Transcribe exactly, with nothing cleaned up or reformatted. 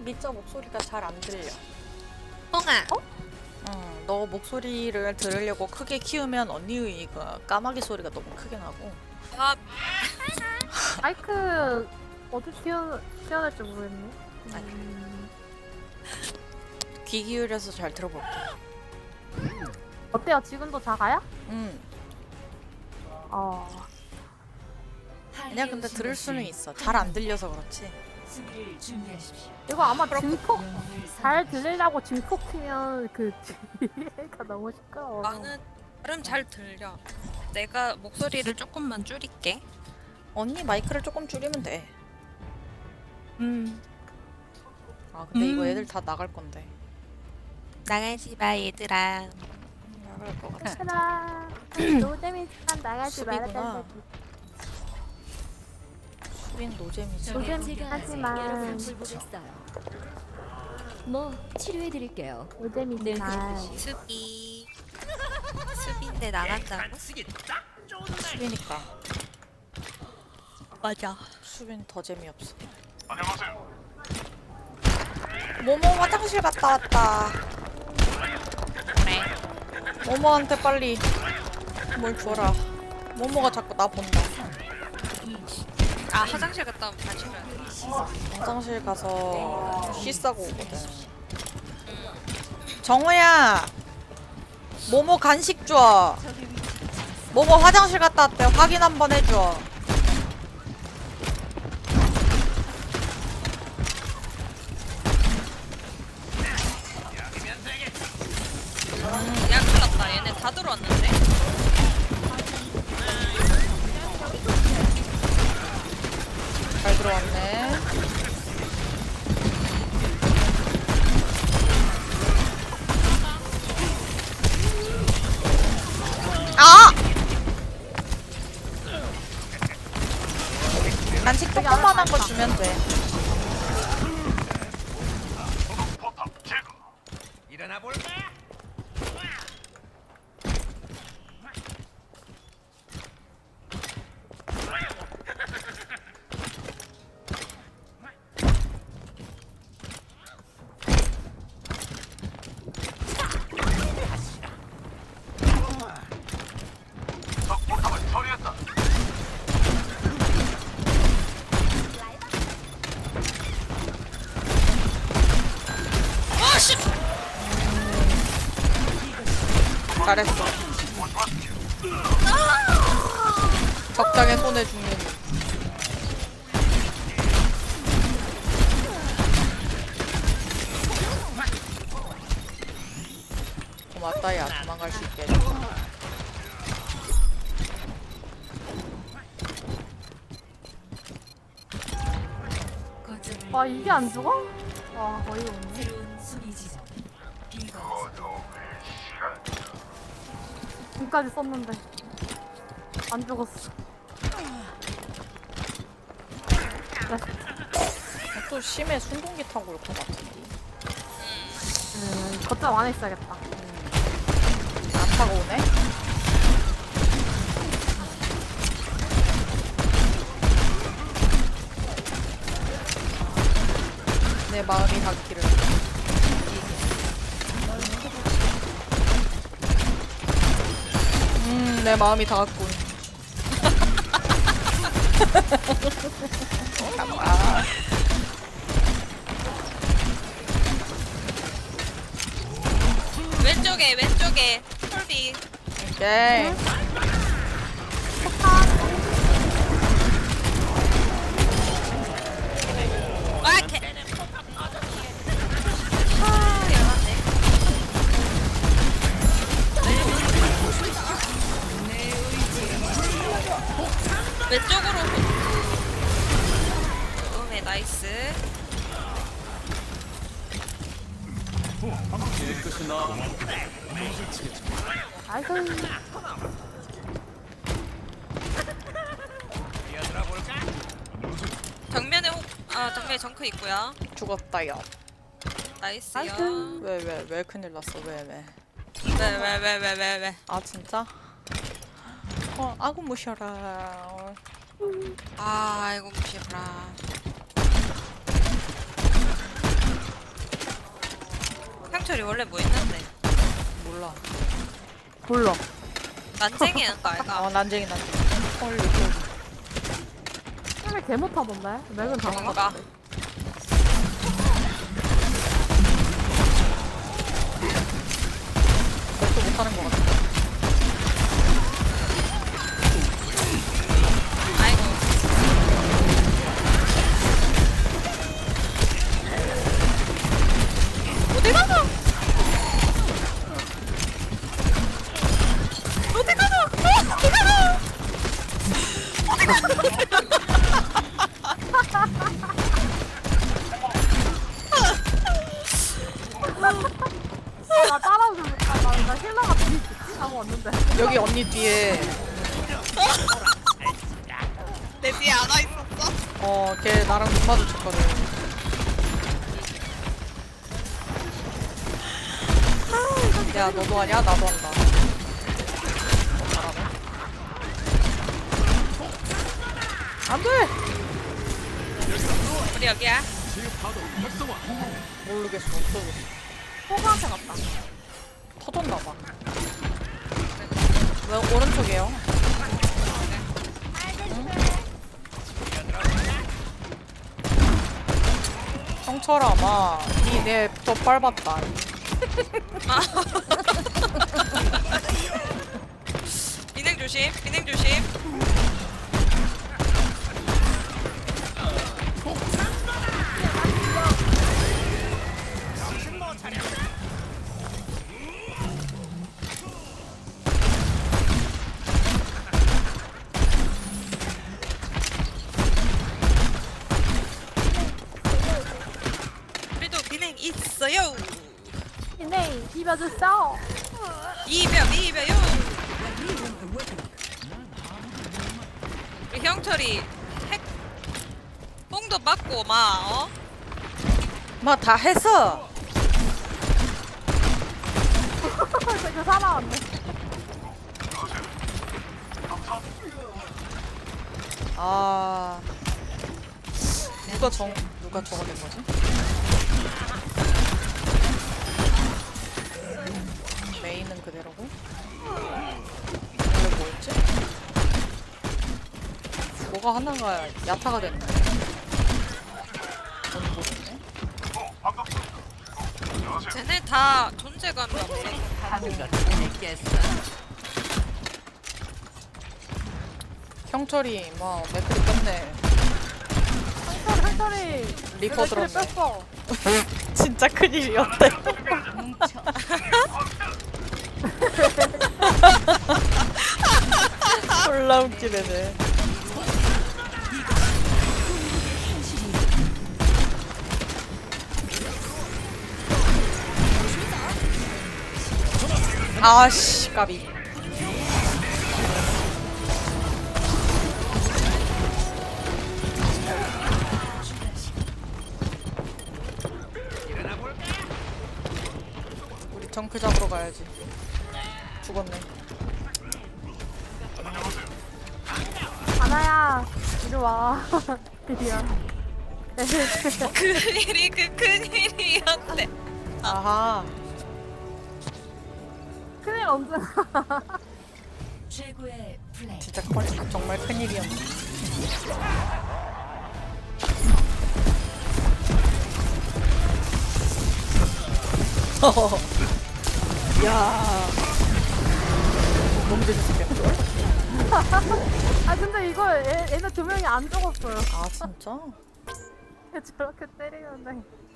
미짜 목소리가 잘 안 들려. 뽕아. 어? 응, 너 목소리를 들으려고 크게 키우면 언니의 그 까마귀 소리가 너무 크게 나고. 아, 마이크 어디 튀어 튀어야 될지 모르겠네. 아이고. 음, 귀 기울여서 잘 들어볼게. 어때요? 지금도 작아요? 응. 어. 그냥 근데 들을 수는 있어. 잘 안 들려서 그렇지. 수비를 준비하십시오. 이거 아마 증폭 잘 들리려고 증폭 키면 그 뒤가 너무 시끄러워. 나는 나름 잘 들려. 내가 목소리를 조금만 줄일게. 언니 마이크를 조금 줄이면 돼. 음. 아 근데 이거 음. 애들 다 나갈 건데. 나가지 마 얘들아. 나갈 것 같아. 얘들아, 노잼이지만 나가지 수비구나. 말아달라고. 수빈 노잼이지. 노잼 제가 하지만 여러분 돌보겠어요. 뭐 치료해드릴게요. 노잼이지만 수비. 수비인데 나간다고? 수빈이니까. 맞아. 수빈 더 재미없어. 모모 화장실 갔다 왔다. 그래. 모모한테 빨리 뭘 줘라. 모모가 자꾸 나 본다. 아 화장실 갔다 오면 다시 줘야 돼. 화장실 가서 쉬 싸고 오거든. 정우야, 모모 간식 줘. 모모 화장실 갔다 왔대. 확인 한번 해줘. 야 큰일났다. 얘네 다 들어왔는데. 잘 들어왔네. 아! 간식 조그만한 거 주면 돼. 일어나 볼까? 적포탑을 처리했다. 아씨. 잘했어. 적당히 손에 죽는. 고맙다 야 도망갈 수 있게 해줘서. 거점을 와 이게 안 죽어? 와 거의 없네. 새로운 수비 지점. 이거 지금까지 썼는데 안 죽었어. 또 심해 순동기 타고 올 것 같은데. 음, 거점 안에 있어야겠다. 안 타고 오네? 내 마음이 닿기를. 음, 내 마음이 닿았군. 아, 왼쪽에 왼쪽에 톨비. 오케이. 아 개. 아 열받네. 왼쪽으로. 오네 나이스. 아이고 뛰어들어 볼까? 정면에 혹, 아 정면에 정크 있고요. 죽었다, 야. 나이스요. 아이고. 왜, 왜, 왜 큰일 났어, 왜, 왜. 왜 왜 왜 왜 왜 왜? 아, 진짜? 어, 아구 무셔라. 아 이거 무시해라. 형철이 원래 뭐 있는데? 몰라. 몰라. 난쟁이 하는 거 알까? 어 난쟁이 난쟁이. 헐 이거. 왜 개 못하던데? 맥은 다 뭔가? 나가. 그것도 못하는 것 같아. 아이고. 어디 가나? 어디 가나? 어, 어디 가나? 나 따라오지 못하. 나, 나 힐러가 뒤에 있지? 하고 왔는데. 여기 언니 뒤에 내 뒤에 안와 있었어? 어 걔 나랑 눈 마주쳤거든. 야 너도 하냐? 나도 한다. 어, 잘하네. 안돼. 우리 여기야. 모르겠어. 없어졌어. 호가한테 갔다. 터졌나봐. 왜 오른쪽이에요? 형철아 마. 니내더 밟았다. 비냉 조심. 비냉 조심. 우리도 비냉 있어요. 네, 비벼줬어. 이벼 이벼요. 우리 형철이 핵 뽕도 맞고 막 어? 마 다 했어. 이거 살아왔네. 아 누가 정 누가 저거 된 거지? 메인은 그대로고 원래 뭐였지? 뭐가 하나가 야타가 됐네. 언니 뭐 됐네? 쟤네 다 존재감이 없어. 형철이 뭐 매트리 뺐네. 한철, 한철이. 리커 들었네. 뺐어. 진짜 큰일이었대. 졸라 웃기네 쟤. 아씨 까비. 우리 정크 잡으러 가야지. 죽었네. 하나야, 이리 와. 미안. 큰일이 그 큰일이었대. 아하. 큰일 언제 최고의 플레이. 진짜 커, 정말 큰일이었네. 야. 너무 재밌었겠다. 아 근데 이거 애, 애는 두 명이 안 죽었어요. 아 진짜? 저렇게 때리는데